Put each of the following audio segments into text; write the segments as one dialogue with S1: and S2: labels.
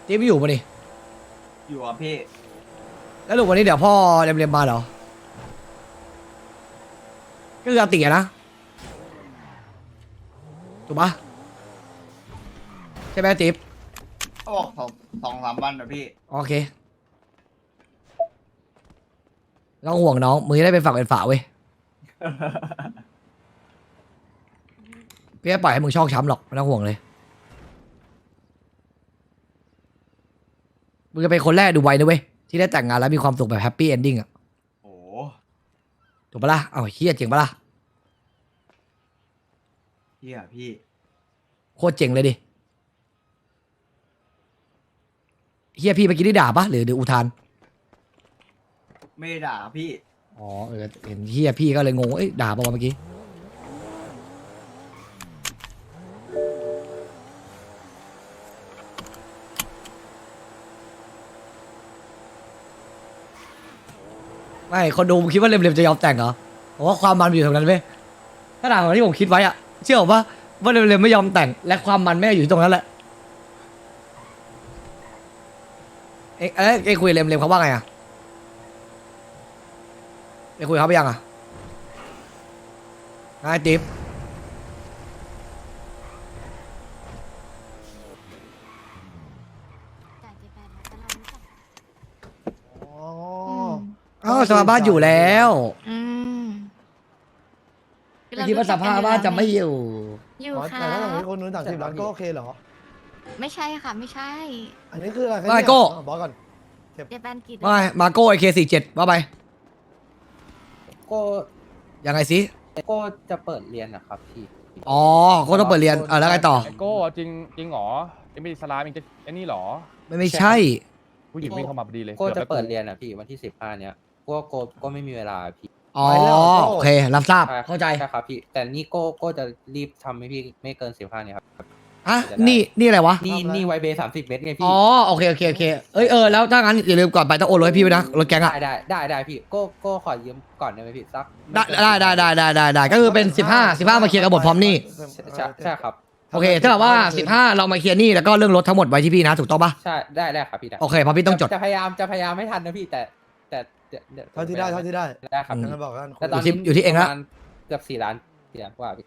S1: จิ๊บอยู่ปะนี่
S2: อยู่อ่ะพี่
S1: แล้วลูกวันนี้เดี๋ยวพ่อเรียมมาเหรอก็คืออาติอะนะถูกปะใช่ไหมจิ๊บ
S2: เขาบอก2-3 วันนะพี่
S1: โอเคไม่ต้องห่วงน้องมึงจะได้เป็นฝักเป็นฝาเว้ยพี่ไม่ปล่อยให้มึงชอกช้ำหรอกไม่ต้องห่วงเลยมึงจะเป็นคนแรกดูไว้นะเว้ยที่ได้แต่งงานแล้วมีความสุขแบบแฮปปี้เอนดิ้งอะ
S2: โอ้
S1: ถูกปะล่ะเอ้าเฮียเจ๋งปะล่ะ
S2: พี่อ่ะพี่
S1: โคตรเจ๋งเลยดิเฮียพี่เมื่อกี้ได้ด่าปะหรืออุทาน
S2: ไม่ได้ด่าพี่
S1: อ๋อเห็นเฮียพี่ก็เลยงงเอ้ยด่าปะวะเมื่อกี้ไม่คนดูมึงคิดว่าเร็มๆจะยอมแต่งเหรอผมว่าความมันมันอยู่ตรงนั้นเว้ยถ้าด่าของที่ผมคิดไว้อะเชื่อผมว่าเร็มๆไม่ยอมแต่งและความมันไม่ได้อยู่ที่ตรงนั้นแหละเอ็งคุยเร็มๆเขาว่าไงอะเอ็งคุยเขาไปยังอะไงติ๊บ
S3: จ่ายเจ็ดแปดร้อยแต่เรารู้จัก
S4: อ๋อ
S1: อ้าวสภาพบ้านอยู่แล้ว
S3: อืม
S1: ไม่คิดว่าสภาพบ้านจะไม่อยู่
S3: อยู่
S4: อ๋อ
S3: ค่ะ
S4: แต่ถ้าสมมติคนนู้น30 ล้านก็โอเคเหรอ
S3: ไม่ใช่ค่ะ ไม่ใช่
S4: อันนี้คืออะไร
S1: ไม่โก้
S4: บอกก่อน
S3: เจ็ดแปดกิจ
S1: ว่าไงมาโก้ไอเค47ว่าไป
S5: ก็
S1: ยังไงสิ
S5: ก็จะเปิดเรียนนะครับพี่
S1: อ๋อโก้ต้องเปิดเรียนแล้วไงต่อ
S6: ไอโก้จริงเหรอเอ็มบีสลามเองจะไอ้นี่เหรอ
S1: ไม่ใช่
S6: ผู้หญิงวิ่งเข้ามาพอดีเลย
S5: ก็จะ
S6: กือบ
S5: เปิด
S6: แล้ว
S5: เรียนอ่ะพี่วันที่15เนี้ยก็ไม่มีเวลาพี่
S1: อ๋อโอเครับทราบ
S5: ใช่
S1: เข้าใจ
S5: ใช่ครับพี่ แต่นี่ก็จะรีบทำให้พี่ไม่เกิน15เนี่ยครับ
S1: อ่ะนี่อะไรวะ
S5: นี่ไวเบย์30 เมตรไงพี่
S1: อ๋อโอเคแล้วถ้างั้นอย่าลืมก่อนไปต้องโอนรถให้พี่ไว้นะรถแก๊งอะ
S5: ได้พี่ก็ขอยืมก่อนได้ไหมพี่สัก
S1: ได้ก็คือเป็น15มาเคลียร์กับบทพร้อมหนี่
S5: ใช่ครับ
S1: โอเคถ้าแบบว่า15เรามาเคลียร์หนี่แล้วก็เรื่องรถทั้งหมดไว้ที่พี่นะถูกต้องปะ
S5: ใช่ได้ครับพี่ได้
S1: โอเคเพราะพี่ต้องจด
S5: จะพยายามให้ทันนะพี่แต่ดี๋ยว
S4: เท่าที่ได้เท่าที่ได้
S5: ได้ครับ
S4: งั้นบอกกัน
S5: แต่ตอน
S1: อยู่ที่เองละ
S5: ประมาณเกือบ4 ล้านกว่าพี่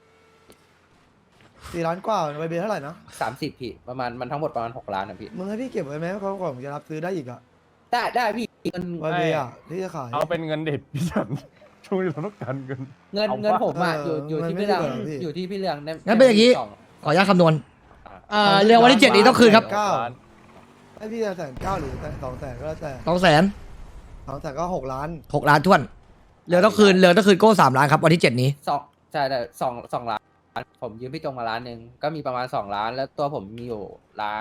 S4: 4 ล้านกว่าใบเบเท่าไหร่นะ
S5: 30พี่ประมาณมันทั้งหมดประมาณ6 ล้านนะพี่
S4: มึงให้พี่เก็บไว้ไหมเขาก่อนผมจะรับซื้อได้อีกอะ
S5: ได้พี่มัน
S4: ใบเบอะที่จะขาย
S6: เอาเป็นเงินเด็ดพี่ฉันช่วงนี้เราต้องการเงิน
S5: เงิน
S6: เอา
S5: เงิน
S6: ปะ
S5: ผมอ่ะอยู่
S4: มัน
S5: ที่
S4: ไม่
S5: พี่เรื่อง
S4: ได้เหรอพี่
S5: อยู่ที่พี่เรื่อง
S1: งั้นเป็นอย่างงี้
S5: ส
S1: ขออนุญาตคำนวณเรื่องวันที่7นี้ต้องคืนครับ
S4: ให้พี่จะ1,900,000หรือ200,000ก็แล้วแต่
S1: 200,000
S4: 200,000ก็6 ล้าน
S1: 6 ล้านท้วนเรือต้องคืนโก้3 ล้านครับวันที่7นี้
S5: ใช่แต่สองล้านผมยืมพี่จงมา1 ล้านก็มีประมาณ2 ล้าน แล้วตัวผมมีอยู่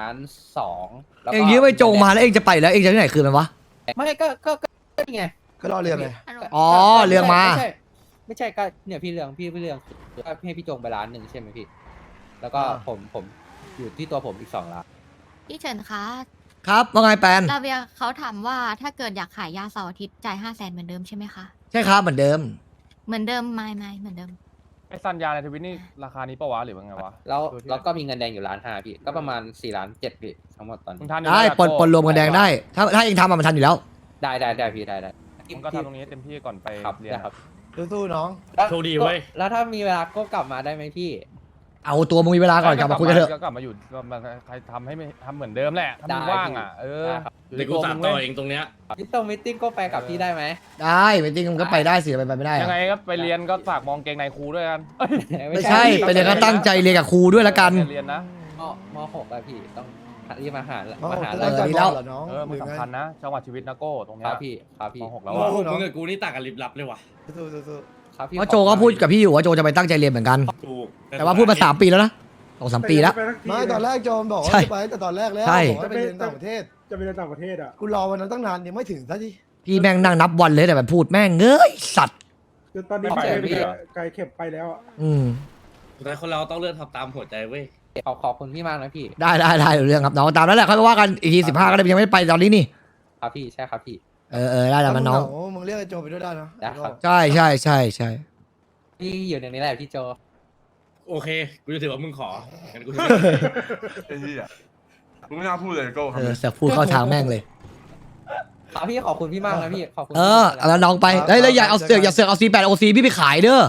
S5: 1.2 ล้านแล้วก็
S1: เองยืมไปจงมาแล้วเองจะไปแล้วเองจะที่ไหนคืนมันวะ
S5: ไม่ก็นี่ไง
S4: ก็รอเรียนไง
S1: อ๋อเรื่องมา
S5: ไม่ใช่ก็เนี่ยพี่เรื่องก็ให้พี่จงไป1 ล้านใช่ไหมพี่ แล้วก็ผมอยู่ที่ตัวผมอีก2 ล้าน
S3: พี่เฉินคะ
S1: ครับว่าไงแปน
S3: ลาเวียเขาถามว่าถ้าเกิดอยากขายยาเสาร์อาทิตย์จ่าย500,000เหมือนเดิมใช่ไหมคะ
S1: ใช่ครับเหมือนเดิม
S3: เหมือนเดิมไม่เหมือนเดิม
S6: ไอซันยาในทวิตนี่ราคานี้ปะวะหรือว่าไงวะ
S5: แล้วก็มีเงินแดงอยู่1.5 ล้านพี่ก็ประมาณ4.7 ล้านพี่ทั้งหมดตอน
S6: มึ
S5: นี้
S6: งทานอยู่
S1: ได้
S6: แล้ว
S1: ปนรวมกันแดงได้ ถ้าเองทำมันทันอยู่แล้ว
S5: ได้พี่ได้
S6: มึงก็ทำตรงนี้เต็มที่ก่อนไป
S5: ครับ
S6: เรียน
S5: นะครับ
S4: สู้ๆน้อง
S7: โชคดีเว้ย
S5: แล้วถ้ามีเวลาก็กลับมาได้ไหมพี่
S1: เอาตัวมึงมีเวลาก่อนกลับมาคุยกันเถอะ
S6: ก็กลับมาอยู่ก็มาใครทำให้ไม่ทำเหมือนเดิมแหละถ้ามึง
S5: ได้
S6: ว่างอ่ะอยู่
S7: เดี๋ยวกู
S6: ตัว
S7: สา
S6: มึ
S7: ม
S6: ง
S7: ต่อ
S6: เว้ย
S7: เองตรงเนี้ย
S5: มิตติ้งก็ไปกับพี่ได้ไหม
S1: ได้ไม่จริงมึงก็ไปได้สิไปไม่ได้
S6: ยัง
S1: อะ
S6: ไงก็ไปเรียนก็ฝากมองเกงในครูด้วยกันเอ้ย
S1: ไม่ใช่ไปเรียนก็ตั้งใจเรียนกับครูด้วยละกัน
S6: เรียนนะ
S5: ม6อะพี่ต้องรีบมาหา
S4: มา
S5: มาหา
S4: จะ
S5: แล้
S4: ได้
S5: ว
S4: จัด
S1: ดี
S4: บ
S1: แล้
S4: อ
S1: ว
S4: ลเหรอน้อง
S6: มัน
S4: หรือไง
S6: สำคัญนะจังหวัดชีวิตนะโก้ตรง
S5: ค
S6: เนี้
S5: รั
S6: ย
S5: บพี่ครับพี่
S6: ม .6 แล้ว
S4: โอ้
S6: อะ
S4: โห
S7: มึงกับกูนี่ต่างกันลิบลับเลยว่ะ
S4: สู้
S5: ครับพี่
S1: เพราะโจก็พูดกับพี่อยู่ว่าโจจะไปตั้งใจเรียนเหมือนกัน
S7: ถูก
S1: แต่ว่าพูดมา3 ปีแล้วนะ2-3 ปีแล้ว
S4: ๆไม่ตอนแรกโจมบอกว่า
S1: ใช่
S4: จะไปแต่ตอนแรกแล้ว
S1: ใช่
S4: บอกว่าไปเรียนต่างประเทศ
S8: จะไปเรียนต่างประเทศอ่ะ
S4: กูรอวันนั้นตั้งนานยังไม่ถึงซะที
S1: พี่แม่งนั่งนับวันเลยแต่แบบพูดแม่งเงยสัตว์
S8: คือตอนนี้
S6: ไม่ไป
S8: ไกลเข็บไปแล้วอ่ะ
S1: อืม
S7: สุดท้ายคนเราต้องเลือกทำตามหัวใจเว้ย
S5: ขอบคุณพี่มากนะพี่
S1: ได้เรื่องครับน้องตามนั้นแหละค่อยมาว่ากันอีกที15ก็ได้ยังไม่ได้ไปตอนนี้นี่
S5: ครับพี่ใช่ครับพี่
S1: ได้แล้วมันน้อง
S4: มึงเรียกไอ้โจไปด้วยได้นะ
S5: ได้ครับ
S1: ใช่
S5: พี่อยู่ในนี้แหละพี่โจ
S7: โอเค กูจะถือว่ามึงของั้นกูจะ
S9: มึงไม่น่าพูดเลยโก้
S1: เสือกพูดเข้าทางแม่งเลย
S5: ครับพี่ขอบคุณพี่มากนะพี่ขอบคุณ
S1: แล้วน้องไปแล้วอย่าเอาเสือกเอา C8 OC พี่ไปขายเด้อ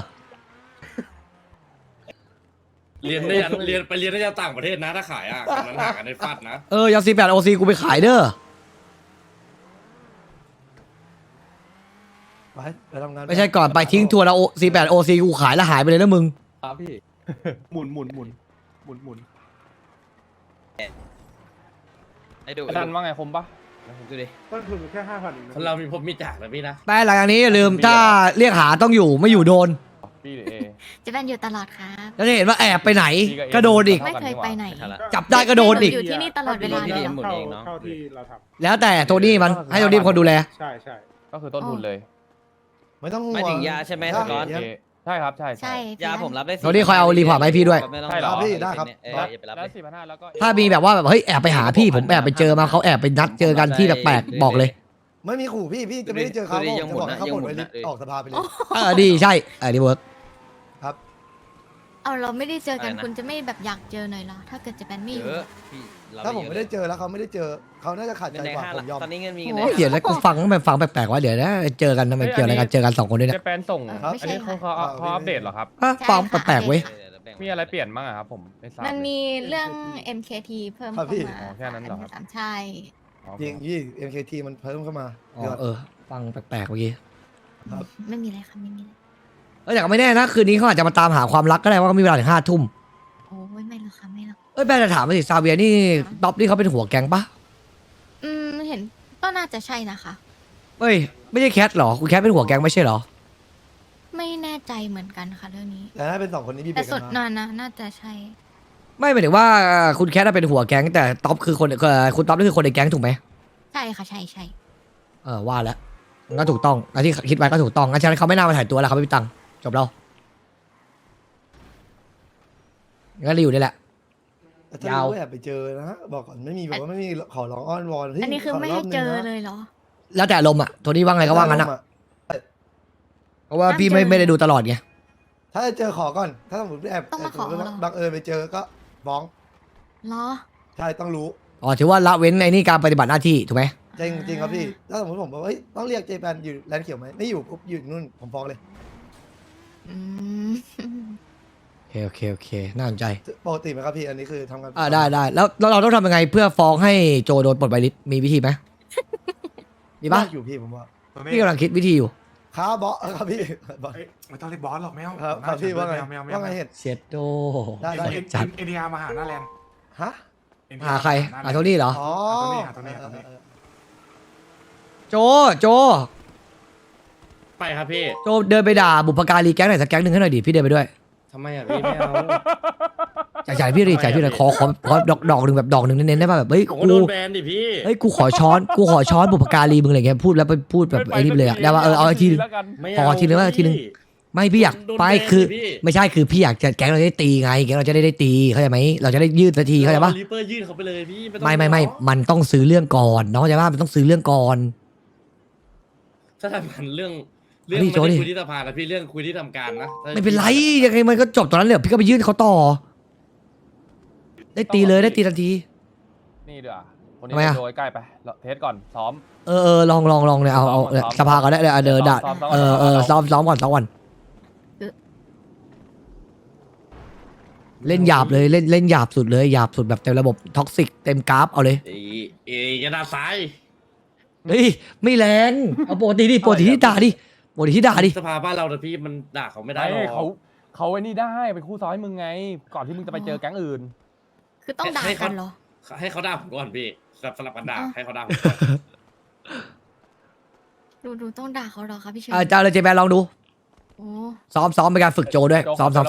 S7: เรียนได้ยันเรียนไปเรียนได้ยันต่างประเทศนะถ้าขายอ่ะกันนั้นหากันในฟัดนะ
S1: อย่า C8 OC กูไปขายเด้อ
S4: ไปทำงาน
S1: ไม่ใช่ก่อนไปทิ้งทัวร์แล้ว C8 OC กูขายแล้วหายไปเลยนะมึง
S5: ครับพี่
S8: หมุนหมุนหมุนหมุนหมุน
S6: ไอ้ดันว่าไงคมปะ
S8: ต้นทุนแค่5,000เองนะ
S7: คนเรามีพบมีจากนะพี่นะ
S1: แต่หลังจากนี้อย่าลืมถ้าเรียกหาต้องอยู่ไม่อยู่โดน
S6: พี่หรือเอ
S3: จะเป็นอยู่ตลอดครับ
S1: แล้วจะเห็นว่าแอบไปไหนก็โดนอีก
S3: ไม่เคยไปไหน
S1: จับได้ก็โดนอีก
S3: อยู่ที่นี่ตลอดเวลาเลยเหรอ
S8: เท่าที่เราท
S1: แล้วแต่โทนี่มันให้โทนี่เป็นคนดูแล
S8: ำใช่ใช่
S6: ก็คือต้นทุนเลย
S4: ไม่ต้องห่วง
S10: ไม่ถึงยาใช่ไหม
S4: ถ้
S10: สกอต
S6: โอเคใช่ครับใช่
S3: ใช่
S10: ยาผมรับได้
S1: โทนี่คอยเอารีพอร์ตมาให้พี่ด้วย
S6: ใช่เหรอ
S4: พี่ได้ครับ
S10: อย่าไปรับ
S6: แล้ว
S10: เลย
S6: 4,500แล้วก็
S1: ถ้ามีแบบว่าแบบเฮ้ยแอบไปหาพี่ผมแอบไปเจอมาเขาแอบไปนัดเจอกันที่แปลกๆบอกเลย
S4: ไม่มีขู่พี่จะไม่ได้เจอเขาผมจะบอกให้เขาปลดไว้ออกสภาไปเลย
S1: ดีใช่ดีเวิร์ก
S3: เอาเราไม่ได้เจอกัน
S10: อะไรนะ
S3: คุณจะไม่แบบอยากเจอหน่อยเหรอถ้าเกิดจะเป็นไม่อยู่
S10: เยอะพี่รับ
S4: ถ้าผม
S10: เย
S4: ไม่
S10: อะ
S4: ได้เจอแล้วเขาไม่ได้เจอเขาน่าจะขาด
S10: เงิ
S4: ใจ
S10: นแดง
S4: กว่า
S10: ห้า
S4: ผ
S10: ละ
S4: มยอม
S10: ตอนนี้เงินมีเงิน
S3: โอ้
S10: แดง
S1: เดี๋ยวแล้วกูฟังมันฟังแปลกๆว่าเดี๋ยวนะเจอกันทำไมเกี่ยวอะไรกันเจอกัน2คนด้วยเนี่ย
S6: เจแปนส่ง
S3: ครับ
S6: อันนี้เขาอัปเดตเหรอครับ
S1: ฟังแปลกๆเว้ย
S6: มีอะไรเปลี่ยนบ้างอะครับผมไม่ทราบ
S3: มัน
S6: เลย
S3: มีเรื่อง MKT เพิ่มเข้ามา
S6: อ๋อแค่นั้นเหรอครับ
S3: สามใช่
S6: อ๋อ
S4: จริงพี่ MKT มันเพิ่มเข้ามา
S1: ฟังแปลกๆเมื่อกี้
S3: ไม่มีอะไรครับไม่มีอะไร
S1: แต่ก็ไม่แน่นะคืนนี้เขาอาจจะมาตามหาความรักก็ได้ว่าเขามีเวลาถึง5 ทุ่ม
S3: โอ้ยไม่หรอกค่ะไม่หรอก
S1: แม่จะถามมาสิซาเวียนี่ท็อปนี่เขาเป็นหัวแก๊งปะ
S3: เห็นก็น่าจะใช่นะคะ
S1: เฮ้ยไม่ใช่แคทหรอคุณแคทเป็นหัวแก๊งไม่ใช่หรอ
S3: ไม่แน่ใจเหมือนกันค่ะเรื่องนี้
S4: แต่ถ้าเป็น2คนนี้พี่
S3: แต่
S4: เบรก
S3: สุด
S4: กัน
S3: น
S4: มา
S3: อนนะน่าจะใช่
S1: ไม่หมายถึงว่าคุณแคทเป็นหัวแก๊งแต่ท็อปคือคนคุณท็อปนี่คือคนในแก๊งถูกไหม
S3: ใช่ค่ะใช่ใช่
S1: ว่าแล้วงั้นถูกต้องงั้นที่คิดไว้ก็ถูกต้องงั้นฉะนั้นเขาไม่น่ามาถ่ายตัวแล้วเขาไม่มีตังค์จบแล้วงั้นรีอยู่นี่แหละ
S4: แต่ถ้ารู้แอบไปเจอนะบอกก่อนไม่มีแบบว่าไม่มีขอร้องอ้อนวอน
S3: อันนี้คือไม่ให้เจอเลยเหรอ
S1: แล้วแต่อารมณ์อะโทนี่ว่าไงก็ว่างั้นอะเพราะว่าพี่ไม่ได้ดูตลอดไง
S4: ถ้าจะเจอขอก่อน ถ้าสมมติแอบ
S3: ต้องมาขอเหรอ
S4: บังเอิญไปเจอก็ฟ้อง
S3: เหรอ
S4: ใช่ต้องรู้
S1: ถือว่าละเว้นไอ้นี่การปฏิบัติหน้าที่ถูกไหม
S4: จริงจริงครับพี่ถ้าสมมติผมบอกว่าเฮ้ยต้องเรียกเจแปนอยู่แลนด์เขียวไหมไม่อยู่ปุ๊บอยู่นู่นผมฟ้องเลย
S3: อืม
S1: โอเคน่าสนใจ
S4: ปกติไหมครับพี่อันนี้คือทำงาน
S1: ได้แล้วเราต้องทำยังไงเพื่อฟ้องให้โจโดนปลดใบลิสต์มีวิธีไหมมีปะ
S4: ยากอยู่พี่ผมว่า
S1: พี่กำลังคิดวิธีอยู่
S4: ค้าบอสครับพี่บอส
S9: ไม่ต้องเรียกบอสหรอกไม่เอา
S4: ครับพี่ว่าไง
S9: ไม่เอา
S4: ว่าไงเห็ด
S1: เช็ดโด
S4: ได้
S1: จัด
S9: เอ็นดีอาร์มาหาหน้าแลนด์
S4: ฮะ
S1: หาใครหาโทนี่เหรอ
S4: อ๋อ
S9: หาตัวนี้
S1: โจ
S7: ไปครับพี่
S1: โจเดินไปด่าบุพการีแก๊งไหนสักแก๊งหนึ่งให้หน่อยดิพี่เดินไปด้วย
S7: ทำไมอ่ะพี่ไม่เอา
S1: จ่ายพี่ดิจ่ายพี่หน่อยขอดอกหนึ่งแบบดอกหนึ่งเน้นๆได้ป่ะแบบเฮ้ย
S7: ผม
S1: กู
S7: ก็โดนแบนดิพี่
S1: เฮ้ยกูขอช้อนบุพการีมึงอะไรเงี้ยพูดแล้วไปพูดแบบไอ้นี่เลยอะได้ว่าเอาอีกทีนึง
S6: แล้วกัน
S7: ไม่
S1: ขอทีนึงว่าทีนึง ไม่พี่อยาก
S7: โดน
S1: ไป
S7: แบน
S1: คือ
S7: ดิพี่
S1: ไม่ใช่คือพี่อยากจะแก๊งเราจะได้ตีไงแก๊งเราจะได้ตีเข้าใจไหมเราจะได้ยืดสักทีเข้าใจปะ
S7: ลิปเปอร์ยื่นเขาไปเลยพี่ต้อง
S1: ไม่ มันต้องซื้อเรื่องก่อนน้องเข้าใจปะมันต้องซื้อเรื่องก่อน
S7: ถ้าทำมันเรื่อง
S1: อั
S7: เรื่อน ง
S1: นี้
S7: ไม่
S1: โจ้ดิ
S7: ได้คุยที่สภานะพี่เรื่องคุยที่ทำการนะถ้า
S1: ไม่เป็นไรยังไงมันก็จบตอนนั้นเลยพี่ก็ไปยื่นเขาต่อ ได้ตีเลยได้ตีทันที
S6: นี่เดี๋ยวคนนี้
S1: ทำไมอะ
S6: โดยใกล้ไปเทสก่อนซ้อม
S1: ลองเนี่ยเอาเนี่ยสภาก็ได้เดินด่า
S6: ซ้อม
S1: ซ้อมก่อนเล่นหยาบเลยเล่นหยาบสุดเลยหยาบสุดแบบเต็มระบบท็อกซิกเต็มกราฟเอาเลย
S7: เอยกระดาษซ้าย
S1: เฮ้ยไม่แรงเอาปกติที่ด่าดิ
S7: สภาบ้านเราแต่พี่มันด่าเขาไม่ได้
S6: ได้
S7: หรอก
S6: เขาไอ้นี่ได้เป็นคู่ซ้อมให้มึงไง ก่อนที่มึงจะไปเจอแก๊งอื่น
S3: คือต้องด่ากันเหรอ
S7: ให้เขาด่าผมก่อนพี่สลับกันด่า
S3: อ๋อ
S7: ให้เขาด่าผมก่อน
S3: ดูต้องด่าเขาเหรอคะพี่เชน
S1: เจ้าเลยเจแปนลองดู
S3: โอ้
S1: ซ้อมเป็นการฝึกโจด้วยซ้อม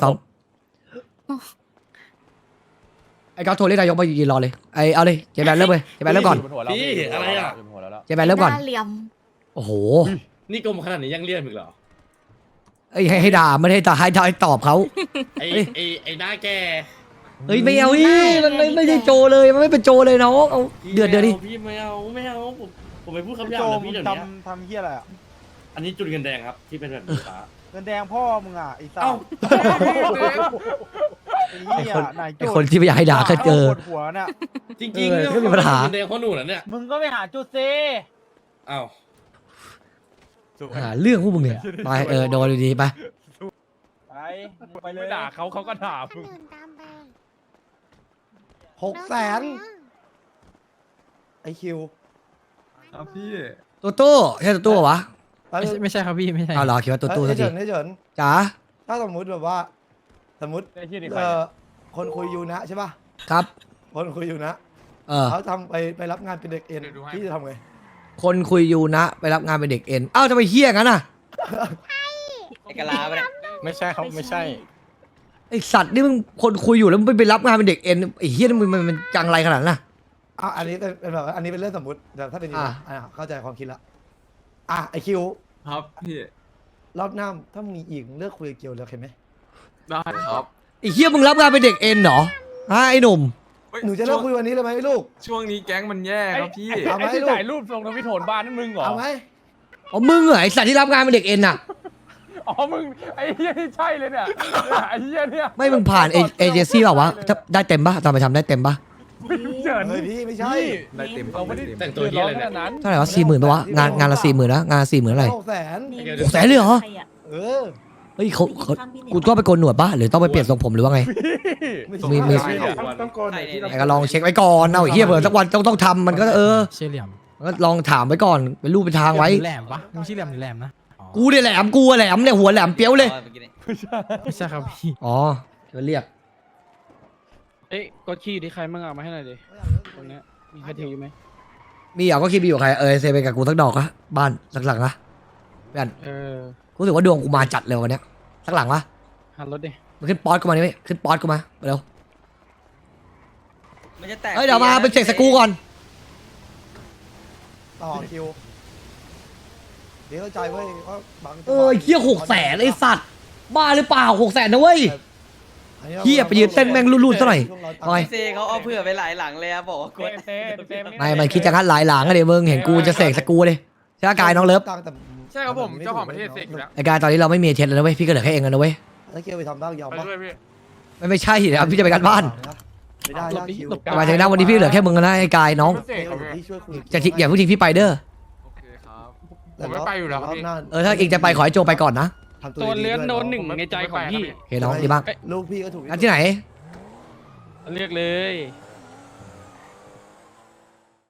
S1: ไอ้ก้าวโทรเรียกนายกมายืนรอเลยเอาเลยเจแปนเริ่มเลยเจแปนเริ่มก่อน
S7: พี่อะไรอ่ะ
S1: เจแปนเริ่มก่อน
S3: หน้าเหลี่ยม
S1: โอ้โห
S7: นี่กลมขนาดนี้ยังเรียกอีกเหรอ
S1: ให้ด่าไม่ให้ด่าให้ตอบเขา
S7: ไอ้หน้าแก
S1: เฮ้ยไม่เอามันไม่ใช่โจเลยมันไม่เป็นโจเลยน้องเอาเดือดดิ
S7: พี่ไม่เอาผมไปพูดคำหยาบเลยพี่เดี๋ยวนี้
S8: ทำเฮียอะไรอ่ะ
S7: อันนี้จุดเงินแดงครับที่เป็นแบบนี้ฟ้า
S8: เงินแดงพ่อมึงอ่ะไอ้สัส
S7: เอ้า
S8: ไอ้เหี้ยนาย
S1: ไอคนที่ไม่อยากให้ด่าก็เจอ
S8: ปวดหัวน่ะ
S7: จริงๆ
S1: เออก็มีปัญหา
S7: แดงเพราะหนูน่ะเนี่ย
S8: มึงก็ไปหาจุดซี
S7: อ้าว
S1: หาเรื่องพวกมึงเนี่ยไปโดนดีๆไป
S8: ไปเล
S6: ไม่
S8: ย
S6: ด่าเขาเขาก็ด่ามึง
S4: 600,000ไอคิว
S9: ครับพี่
S1: ตัวตู้ใช่ตัวตู้เหรอวะ
S5: ไม่ใช่ครับพี่ไม่ใช่
S1: เอาเหรอคิดว่าตัวตู้
S4: ให้
S1: สักที
S4: เฉิน
S1: จ๋า
S4: ถ้าสมมุติแบบว่า สมมุติ
S6: ไอ้เหี้ยนี่ใคร
S4: คนคุยอยู่นะใช่ป่ะ
S1: ครับ
S4: คนคุยอยู่นะ เขาทำไปรับงานเป็นเด็กเอ็นพี่จะทำไง
S1: คนคุยอยู่นะไปรับงานเป็นเด็กเอ็นอ้าวจะไปเฮี้ยงั้นน่ะ
S5: ไอ้กะลาไปเนี่ย
S8: ไม่ใช่ครับไม่ใช่
S1: ไอสัตว์นี่มึงคนคุยอยู่แล้วมึงไปรับงานเป็นเด็กเอ็นไอเฮี้ยนี่มันจังไรขนาดนั้นน่ะ
S4: อันนี้เป็นแบบอันนี้เป็นเรื่องสมมติแต่ถ้าเป็นอย่างนี้ เข้าใจความคิดละไอคิว
S9: ครับพี่
S4: รอบหน้าถ้ามีอีกเลิกคุยกับเกียวเลยโอเคไหม
S9: ได้ครับ
S1: ไอเฮี้ยมึงรับงานเป็นเด็กเอ็นเหรอฮะไอหนุ่ม
S4: หนูจะเลิกคุยวันนี้เลยไหมลูก
S9: ช่วงนี้แก๊งมันแย่ครับพี่
S4: เอาไหม
S6: ไอ้ที่
S4: ลูก
S6: ถ่ายรูปลงทวิตโถนบ้านนั่นมึงเหรอ
S4: เอาไหม
S1: อ๋อมึงเหรอไอสัตว์ที่รับงานเป็นเด็กเอ็นน่ะ
S6: อ๋อมึงไอ้เหี้ยนี่ใช่เลยเนี่ยไอ้เหี้ยเนี่ย
S1: ไม่มึงผ่านเอเจนซี่เปล่าวะถ้าได้เต็มปะตอนไปทำได้เต็มปะ
S6: เจิน
S4: เฮ้ยพี่ไม่ใช่
S9: ได้เต็ม
S6: เราไม่ได้
S7: แต่งตัวเหี้ยอะไรเนี่ย
S6: นั้น
S1: เท่าไหร่วะ40,000ปะวะงานละ40,000นะงาน40,000อะไร
S4: 600,000
S1: 600,000เลยเหรอ
S4: เออ
S1: เฮ้ยเขากูต้องไปโกนหนวดปะหรือต้องไปเปลี่ยนทรงผมหรือว่าไง มี
S8: ต้องโกนหน่อยที่เรา
S1: ไอ้ก็ลองเช็คไว้ก่อนเอาไอ้เหี้ยเผื่อสักวันต้องทำมันก็
S5: เชี่ยเหลี่ยม
S1: มันก็ลองถามไว้ก่อนเป็นรูปเป็นทางไว้
S5: แหลมปะไม่ใช่เหลี่ยมหรือแหลมนะ
S1: กูเนี่ยแหลมกูอะแหลมเนี่ยหัวแหลมเปี้ยวเลย
S5: ไม่ใช่ครับพี่
S1: อ๋อจะเรียก
S6: เอ้ยกดขี้ดิใครมั่งเอามาให้หน่อยดิตรงเนี้ยมีใครถือไหม
S1: มีอ่ะก็คิดมีอยู่ใครเซไปกับกูสักดอกอะบ้านสักหลังนะเพื่อน
S6: เออ
S1: กูรู้สึกว่าดวงกูมาจัดเลยวันเนี้ยสักหลังวะ
S6: หันรถดิ
S1: มาขึ้นป๊อตกูมาดิเว้ยขึ้นป๊อตกูมาเร็ว
S5: มันจะแตก
S1: เฮ้ยเดี๋ยวมาเป็นเสกสกรูก่อน
S4: ต่อคิวเดี๋ยวเข้าใจเว้ยว่าบาง
S1: เหี้ย600,000ไอ้สัตว์บ้าหรือเปล่า600,000นะเว้ย เหี้ยไปยืนเต้นแม่งรูดๆซะหน่อย เอาไง
S5: เซเขาเอาเผื่อไปหลายหลังเลยอะบอกว่ากด
S6: เต้
S1: ไม่มันคิดจะงัดหลายหลังอะเดี๋ยวมึงเห็นกูจะเสกสกรูเลยใช่ไหมกายน้องเลิฟ
S9: ใช่ครับผมเจ้าของประเทศเสกอยู่แล้ว
S1: ไอ้กายตอนนี้เราไม่มีเทสแล้วนะเว้ยพี่ก็เหลือแค่เองแล้วนะเว้ย
S4: ถ้าเกียวไปทำบ้างยอม
S9: ไป
S4: ปะ
S9: ด้วยพี่
S1: ไม่ใช่นะพี่จะไปกันบ้าน
S4: ไม่ได้นะคิว
S1: หมายถึงนะวันนี้พี่เหลือแค่มึงนะไอ้กายน้อง
S9: เสกครับพี่
S4: พี่ช่วยคุย
S1: จะทิ้งอย่าเพิ่งทิ้งพี่ไปเด้อ
S9: โอเคครับ ผมไม่ไปอยู่แล้วครับพี่
S1: ถ้าเองจะไปขอให้โจไปก่อนนะ
S6: ตัวเลื้อนโดนหนึ่งในใจของพี่
S1: โอเคน้องดีมาก
S4: ลูกพี่ก็ถูก
S1: งั้นที่ไหน
S6: เรียกเลย
S1: ไ